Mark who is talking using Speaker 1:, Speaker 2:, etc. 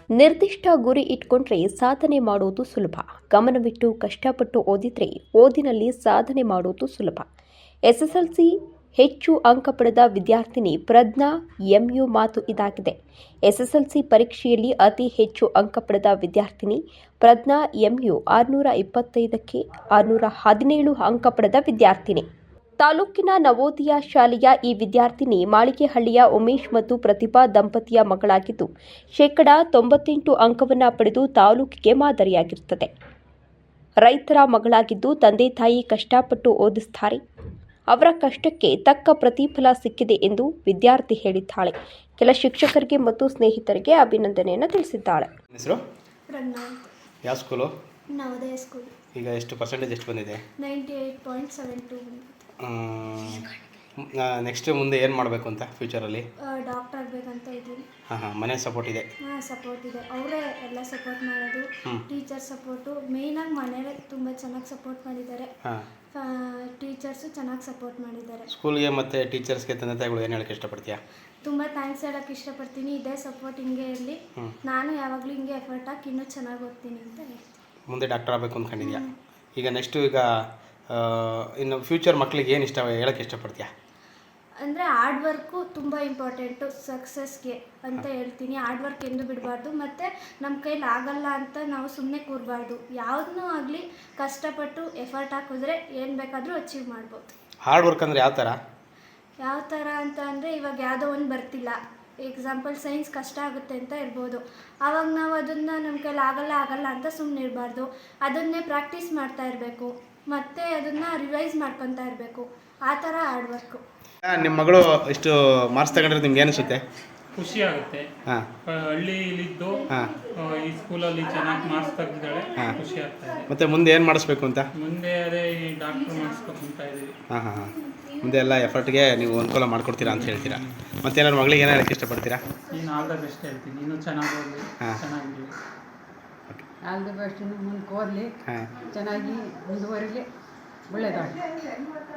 Speaker 1: ನಿರ್ದಿಷ್ಟ ಗುರಿ ಇಟ್ಕೊಂಡ್ರೆ ಸಾಧನೆ ಮಾಡೋದು ಸುಲಭ. ಗಮನವಿಟ್ಟು ಕಷ್ಟಪಟ್ಟು ಓದಿದ್ರೆ ಓದಿನಲ್ಲಿ ಸಾಧನೆ ಮಾಡೋದು ಸುಲಭ. ಎಸ್ಎಸ್ಎಲ್ಸಿ ಹೆಚ್ಚು ಅಂಕ ಪಡೆದ ವಿದ್ಯಾರ್ಥಿನಿ ಪ್ರಜ್ಞಾ ಎಂಯು ಮಾತು ಇದಾಗಿದೆ. ಎಸ್ಎಸ್ಎಲ್ಸಿ ಪರೀಕ್ಷೆಯಲ್ಲಿ ಅತಿ ಹೆಚ್ಚು ಅಂಕ ಪಡೆದ ವಿದ್ಯಾರ್ಥಿನಿ ಪ್ರಜ್ಞಾ ಎಂಯು 625ಕ್ಕೆ 617 ಅಂಕ ಪಡೆದ ವಿದ್ಯಾರ್ಥಿನಿ. ತಾಲೂಕಿನ ನವೋದಯ ಶಾಲೆಯ ಈ ವಿದ್ಯಾರ್ಥಿನಿ ಮಾಳಿಗೆಹಳ್ಳಿಯ ಉಮೇಶ್ ಮತ್ತು ಪ್ರತಿಭಾ ದಂಪತಿಯ ಮಗಳಾಗಿದ್ದು, 98% ಅಂಕವನ್ನು ಪಡೆದು ತಾಲೂಕಿಗೆ ಮಾದರಿಯಾಗಿರುತ್ತದೆ. ರೈತರ ಮಗಳಾಗಿದ್ದು ತಂದೆ ತಾಯಿ ಕಷ್ಟಪಟ್ಟು ಓದಿಸುತ್ತಾರೆ. ಅವರ ಕಷ್ಟಕ್ಕೆ ತಕ್ಕ ಪ್ರತಿಫಲ ಸಿಕ್ಕಿದೆ ಎಂದು ವಿದ್ಯಾರ್ಥಿ ಹೇಳಿದ್ದಾಳೆ. ಕೆಲ ಶಿಕ್ಷಕರಿಗೆ ಮತ್ತು ಸ್ನೇಹಿತರಿಗೆ ಅಭಿನಂದನೆಯನ್ನು ತಿಳಿಸಿದ್ದಾಳೆ.
Speaker 2: ಹೆಸರು
Speaker 3: ಪ್ರಜ್ಞಾ.
Speaker 2: ಯಾವ ಸ್ಕೂಲು?
Speaker 3: ನವೋದಯ ಸ್ಕೂಲ್.
Speaker 2: ಈಗ ಎಷ್ಟು ಪರ್ಸೆಂಟೇಜ್ ಎಷ್ಟು ಬಂದಿದೆ?
Speaker 3: 98.72.
Speaker 2: ನೆಕ್ಸ್ಟ್ ಮುಂದೆ ಏನು ಮಾಡಬೇಕು ಅಂತ ಫ್ಯೂಚರಲ್ಲಿ?
Speaker 3: ಡಾಕ್ಟರ್ ಆಗಬೇಕಂತ ಇದ್ದೀನಿ.
Speaker 2: ಮನೆ ಸಪೋರ್ಟ್ ಇದೆ?
Speaker 3: ಸಪೋರ್ಟ್ ಇದೆ. ಅವರೇ ಎಲ್ಲ ಸಪೋರ್ಟ್ ಮಾಡೋದು. ಟೀಚರ್ ಸಪೋರ್ಟು ಮೇಯ್ನಾಗಿ ಮನೇಲಿ ತುಂಬ ಚೆನ್ನಾಗಿ ಸಪೋರ್ಟ್ ಮಾಡಿದ್ದಾರೆ. ಟೀಚರ್ಸು ಚೆನ್ನಾಗಿ ಸಪೋರ್ಟ್ ಮಾಡಿದ್ದಾರೆ.
Speaker 2: ಸ್ಕೂಲ್ಗೆ ಮತ್ತು ಟೀಚರ್ಸ್ಗೆ ತಂದೆ ತಾಯಿಗಳು ಏನು ಹೇಳಕ್ಕೆ ಇಷ್ಟಪಡ್ತೀಯಾ?
Speaker 3: ತುಂಬ ಥ್ಯಾಂಕ್ಸ್ ಹೇಳೋಕ್ಕೆ ಇಷ್ಟಪಡ್ತೀನಿ. ಇದೇ ಸಪೋರ್ಟ್ ಹಿಂಗೆ ಇರಲಿ. ನಾನು ಯಾವಾಗಲೂ ಹಿಂಗೆ ಎಫರ್ಟ್ ಹಾಕಿ ಇನ್ನೂ ಚೆನ್ನಾಗಿ ಓದ್ತೀನಿ ಅಂತ ಹೇಳ್ತೀನಿ.
Speaker 2: ಮುಂದೆ ಡಾಕ್ಟರ್ ಆಗಬೇಕು ಅಂದ್ಕೊಂಡಿದ್ಯಾ? ಈಗ ನೆಕ್ಸ್ಟು ಇನ್ನು ಫ್ಯೂಚರ್ ಮಕ್ಕಳಿಗೆ ಏನು ಹೇಳಕ್ಕೆ ಇಷ್ಟಪಡ್ತೀಯಾ?
Speaker 3: ಅಂದರೆ ಹಾರ್ಡ್ ವರ್ಕು ತುಂಬ ಇಂಪಾರ್ಟೆಂಟು ಸಕ್ಸಸ್ಗೆ ಅಂತ ಹೇಳ್ತೀನಿ. ಹಾರ್ಡ್ ವರ್ಕ್ ಎಂದು ಬಿಡಬಾರ್ದು. ಮತ್ತು ನಮ್ಮ ಕೈಲಿ ಆಗಲ್ಲ ಅಂತ ನಾವು ಸುಮ್ಮನೆ ಕೂರಬಾರ್ದು. ಯಾವುದನ್ನೂ ಆಗಲಿ ಕಷ್ಟಪಟ್ಟು ಎಫರ್ಟ್ ಹಾಕಿದ್ರೆ ಏನು ಬೇಕಾದರೂ ಅಚೀವ್ ಮಾಡ್ಬೋದು.
Speaker 2: ಹಾರ್ಡ್ ವರ್ಕ್ ಅಂದರೆ ಯಾವ ಥರ
Speaker 3: ಅಂತ ಅಂದರೆ ಇವಾಗ ಯಾವುದೋ ಒಂದು ಬರ್ತಿಲ್ಲ, ಎಕ್ಸಾಂಪಲ್ ಸೈನ್ಸ್ ಕಷ್ಟ ಆಗುತ್ತೆ ಅಂತ ಇರ್ಬೋದು. ಆವಾಗ ನಾವು ಅದನ್ನು ನಮ್ಮ ಕೈಲಿ ಆಗಲ್ಲ ಅಂತ ಸುಮ್ಮನೆ ಇರಬಾರ್ದು. ಅದನ್ನೇ ಪ್ರಾಕ್ಟೀಸ್ ಮಾಡ್ತಾ ಇರಬೇಕು. ಮತ್ತು ಅದನ್ನು ರಿವೈಸ್ ಮಾಡ್ಕೊತಾ ಇರಬೇಕು. ಆ ಥರ ಹಾರ್ಡ್ ವರ್ಕು.
Speaker 2: ನಿಮ್ಮ ಮಗಳು ಇಷ್ಟು ಮಾರ್ಕ್ಸ್ ತಗೊಂಡ್ರೆ ನಿಮ್ಗೆ ಏನಿಸುತ್ತೆ?
Speaker 4: ಖುಷಿ ಆಗುತ್ತೆ. ಹಳ್ಳಿಲಿದ್ದು ಈ ಸ್ಕೂಲಲ್ಲಿ ಚೆನ್ನಾಗಿ ಮಾರ್ಕ್ಸ್ ತೆಗೆದಿದ್ದಾಳೆ, ಖುಷಿ ಆಗ್ತಾ ಇದೆ.
Speaker 2: ಮತ್ತೆ ಮುಂದೆ ಏನು ಮಾಡಿಸ್ಬೇಕು ಅಂತ?
Speaker 4: ಮುಂದೆ ಅದೇ ಈ ಡಾಕ್ಟರ್ ಮಾಡಿಸ್ಬೇಕು ಅಂತ ಇದ್ದೀವಿ.
Speaker 2: ಮುಂದೆ ಎಲ್ಲ ಎಫರ್ಟ್ಗೆ ನೀವು ಅನುಕೂಲ ಮಾಡಿಕೊಡ್ತೀರಾ ಅಂತ ಹೇಳ್ತೀರಾ? ಮತ್ತೇನಾದ್ರು ಮಗಳಿಗೆ ಏನೋ ಹೇಳಕ್ಕೆ ಇಷ್ಟಪಡ್ತೀರಾ?
Speaker 4: ನೀನು ಆಲ್ ದ ಬೆಸ್ಟ್ ಹೇಳ್ತೀನಿ. ಇನ್ನೂ ಚೆನ್ನಾಗಿ ಓದಲಿ, ಚೆನ್ನಾಗಿರಲಿ.
Speaker 5: All the best. ಮುಂದೆ ಓದಲಿ, ಚೆನ್ನಾಗಿ ಮುಂದುವರಿಲಿ, ಒಳ್ಳೆಯದಾಗಲಿ.